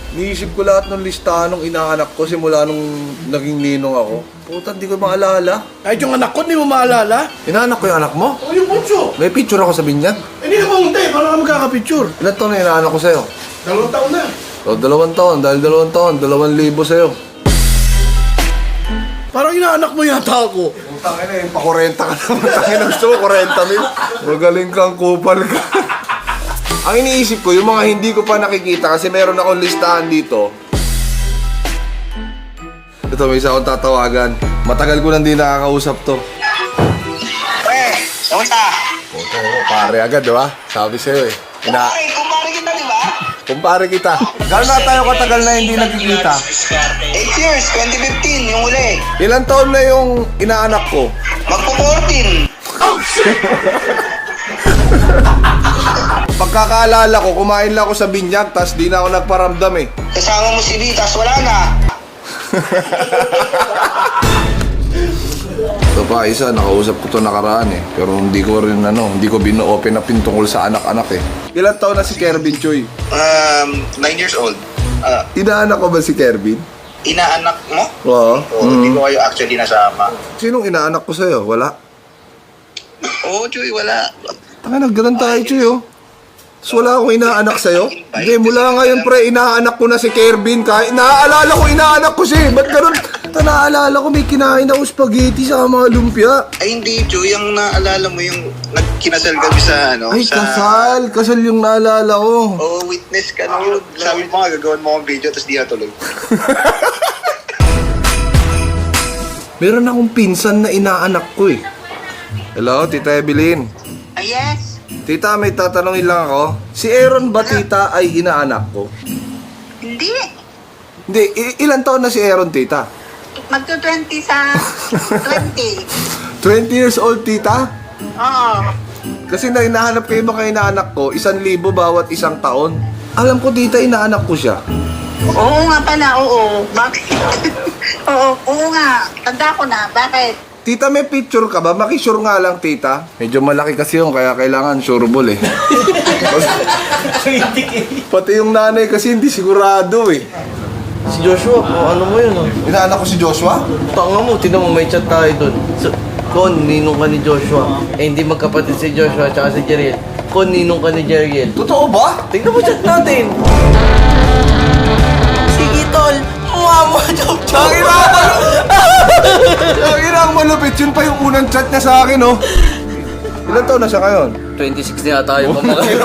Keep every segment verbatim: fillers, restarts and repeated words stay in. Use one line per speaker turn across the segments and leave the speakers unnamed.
Niisip ko lahat ng listahan ng inaanak ko simula nung naging ninong ako. Puta, hindi ko maalala.
Kahit yung anak ko, hindi mo maalala?
Inaanak ko yung anak mo?
O yung bunso.
May picture ako sa binyag.
Hindi ka pumunta eh, paano ka magkakapicture?
Ilan taon na inaanak ko sa'yo?
Dalawang taon na.
O, dalawang taon. Dahil dalawang taon, dalawang libo sa'yo.
Parang inaanak mo yata ako.
Putang ina, yung pa-kurenta ka naman. Tangin na gusto mo, kurenta mil. Magaling kang kupal ka. Ang iniisip ko, yung mga hindi ko pa nakikita kasi meron akong listahan dito. Ito, may isa akong tatawagan. Matagal ko nang di nakakausap to.
Pre, kamusta?
Puto, pare agad, di ba? Sabi sa'yo eh. Ina
Ay, kumpare kita, di ba?
Kumpare kita. Gano'n na tayo katagal na hindi nagkikita?
eight years, twenty fifteen, yung uli.
Ilan taon na yung inaanak ko?
Magpo-fourteen.
Pagkakaalala ko, kumain lang ako sa binyag, tas di na ako nagparamdam eh.
Kasama mo si V, tas wala na.
Ito pa, isa, nakausap ko to nakaraan eh. Pero hindi ko rin ano, hindi ko bino-open up yung tungkol sa anak-anak eh. Ilan taon na si Kervin Choy?
Um, nine years old. Ah,
Inaanak ko ba si Kervin?
inaanak mo?
Oo.
Oo, hindi ko kayo actually nasama.
Sinong inaanak ko sa'yo? Wala.
Oo, Chuy, wala.
Tanga, nagganan tayo, Choy oh. Tapos wala akong inaanak sa'yo? Hindi, mula ngayon pre, inaanak ko na si Kervin. Kahit naaalala ko, inaanak ko siya. Ba't ganun? Ta, naaalala ko, may kinain ako spaghetti sa mga lumpia.
Ay, hindi, Chuy. Yung naalala mo yung nagkinasal kami sa, ano,
Ay,
sa...
kasal. Kasal yung naalala ko.
Oo, witness ka no. Sabi mo nga, gagawin mo akong video, tapos di natuloy.
Meron akong pinsan na inaanak ko eh. Hello, Tita Evelyn.
Ah, yes?
Tita, may tatanungin lang ako. Si Aaron ba, Tita, ay inaanak ko?
Hindi.
Hindi, i- ilan taon na si Aaron, Tita?
Magto-twenty sa twenty.
twenty years old, Tita?
Oo.
Kasi na hinahanap kayo mga inaanak ko, isang libo bawat isang taon. Alam ko, Tita, inaanak ko siya.
Oo nga pala, oo. Bakit? oo, oo nga. Tanda ko na. Bakit?
Tita, may picture ka ba? Makisure nga lang, Tita. Medyo malaki kasi yun, kaya kailangan sureable eh. Pati yung nanay kasi hindi sigurado eh.
Si Joshua, kung ano mo yun, oh.
Inaanak ko si Joshua?
Tanga mo, tinan mo, may chat tayo dun. So, Kon, ninong ka ni Joshua. Eh, hindi magkapatid si Joshua at si Jeriel. Kon, ninong ka ni Jeriel.
Totoo ba?
Tingnan mo chat natin. Sige, tol. Mama, chop chop.
Ang ina Ang ina ang malupit. Yun pa yung unang chat niya sa akin, oh. Ilan taon na siya ngayon?
twenty-six na yata yung pamakain.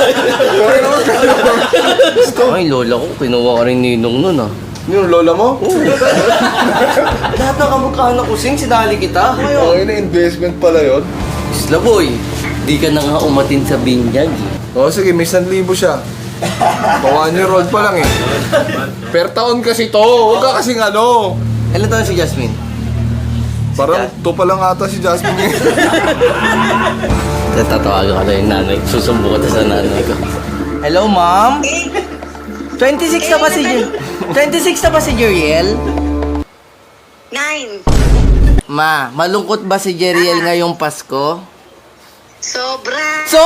Ay, lola ko, kinuha ka rin ninong nun, ah.
Yung lola mo?
Lahat ng kamukha ko, sing, sinali kita.
Ang ina, investment pala yun.
Isla boy, di ka na nga umatin sa binyag, eh.
O sige, may isang libo siya. One year old pa lang eh. Per taon kasi to. Huwag ka kasing ano.
Ilan taon si Jasmine?
Parang to pa lang ata si Jasmine.
Tatawagan ka na yung nanay. Susumbo ka sa nanay ko. Hello, ma'am? twenty-six na ba si Jer- twenty-six na ba si Jeriel?
Nine.
Ma, malungkot ba si Jeriel ngayong Pasko?
Sobra.
So!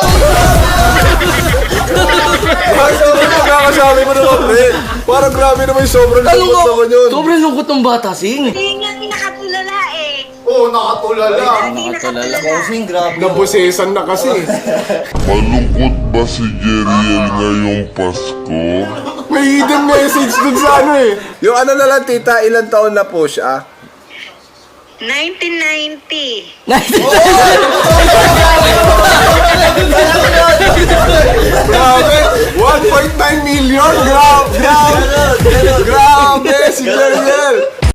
Ay, sobrang magkakasabi mo naman, pre. Parang grabe naman yung sobrang lungkot naman yun.
Sobrang lungkot ng bata, sing.
Hindi nga nakatulala eh.
Oo, nakatulala.
Hindi
Nakatulala
nakatulala.
ko, sing, grabe.
Nabusesan na kasi.
Malungkot ba si Jeriel ngayong Pasko?
May hidden message dun sa ano eh. Yung ano na lang, tita, ilang taon na po siya?
nineteen ninety.
Grabe! one point nine million! Grabe! Grabe! Grabe! Si Jeriel!